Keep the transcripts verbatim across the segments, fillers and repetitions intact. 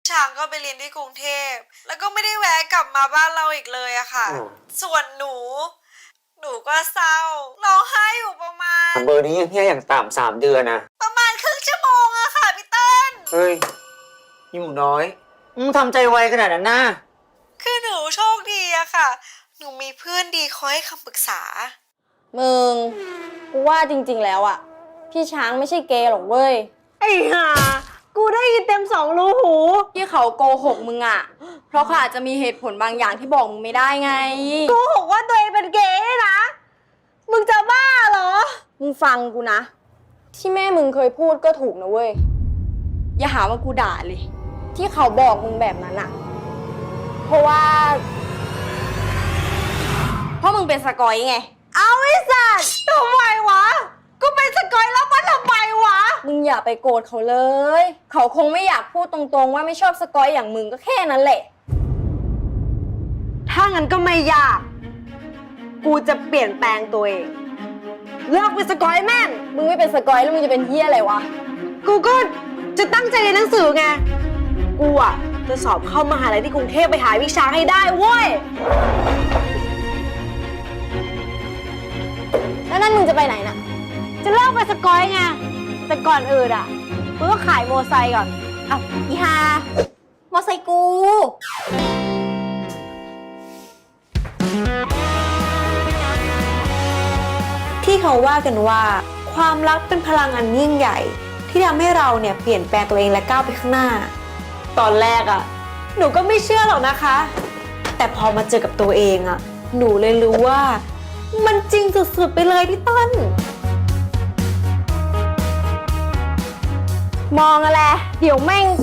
ช้างก็ไปเรียนที่กรุงเทพแล้วก็ไม่ได้แวะกลับมาบ้านเราอีกเลยอะค่ะส่วนหนูหนูก็เศร้าร้องไห้อยู่ประมาณเบอร์นี้ยังเฮี้ยอย่างต่ำสามเดือนนะประมาณครึ่งชั่วโมงอะค่ะพี่เติ้ลเฮ้ยนี่หมูน้อยมึงทำใจไวขนาดนั้นนะคือหนูโชคดีอะค่ะหนูมีเพื่อนดีคอยให้คำปรึกษามึงกูว่าจริงๆแล้วอะพี่ช้างไม่ใช่เกย์หรอกเว้ยไอ้ห่ากูได้ยินเต็มสองรูหูที่เขาโกหกมึงอะเพราะเขาอาจจะมีเหตุผลบางอย่างที่บอกมึงไม่ได้ไงโกหกว่าตัวเองเป็นเกย์นะมึงจะบ้าเหรอมึงฟังกูนะที่แม่มึงเคยพูดก็ถูกนะเว้ยอย่าหาว่ากูด่าเลยที่เขาบอกมึงแบบนั้นอะเพราะว่าเพราะมึงเป็นสกอยไงเอาไอ้สัตว์ทำไมวะกูเป็นสกอยแล้วมันทำไมวะมึงอย่าไปโกรธเขาเลยเขาคงไม่อยากพูดตรงๆว่าไม่ชอบสกอยอย่างมึงก็แค่นั้นแหละถ้างั้นก็ไม่ยากกูจะเปลี่ยนแปลงตัวเองเลิกเป็นสกอยแม่งมึงไม่เป็นสกอยแล้วมึงจะเป็นเหี้ยอะไรวะกูก็จะตั้งใจเรียนหนังสือไงกูอ่ะจะสอบเข้ามหาลัยที่กรุงเทพไปหาวิชาให้ได้เว้ยแล้วนั่นมึงจะไปไหนน่ะจะเลิกเป็นสกอยไงแต่ก่อนอื่นอ่ะกูต้องขายโมไซค์ก่อนอ้าวอีฮามอไซค์กูที่เขาว่ากันว่าความรักเป็นพลังอันยิ่งใหญ่ที่ทำให้เราเนี่ยเปลี่ยนแปลงตัวเองและก้าวไปข้างหน้าตอนแรกอ่ะหนูก็ไม่เชื่อหรอกนะคะแต่พอมาเจอกับตัวเองอ่ะหนูเลยรู้ว่ามันจริงสุดๆไปเลยพี่ต้นมองอะไรเดี๋ยวแม่ง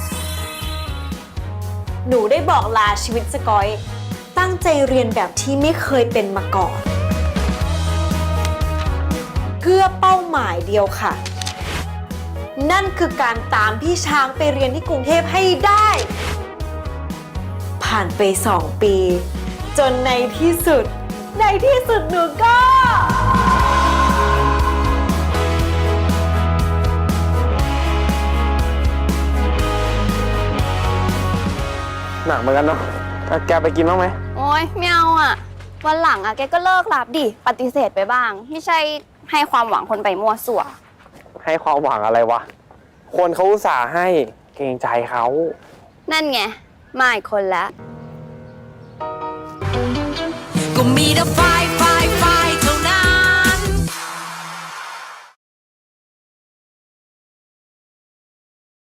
หนูได้บอกลาชีวิตสกอยตั้งใจเรียนแบบที่ไม่เคยเป็นมาก่อนเพื่อเป้าหมายเดียวค่ะนั่นคือการตามพี่ช้างไปเรียนที่กรุงเทพให้ได้ผ่านไปสองปีจนในที่สุดในที่สุดหนูก็หนักเหมือนกันเนาะแกไปกินบ้างไหมโอ๊ยไม่เอาอ่ะวันหลังอ่ะแกก็เลิกรับดิปฏิเสธไปบ้างไม่ใช่ให้ความหวังคนไปมั่วสั่วให้ความหวังอะไรวะคนเขาอุตส่าห์ให้เกรงใจเขานั่นไงมาอีกคนแล้วก็มีแต่ไฟ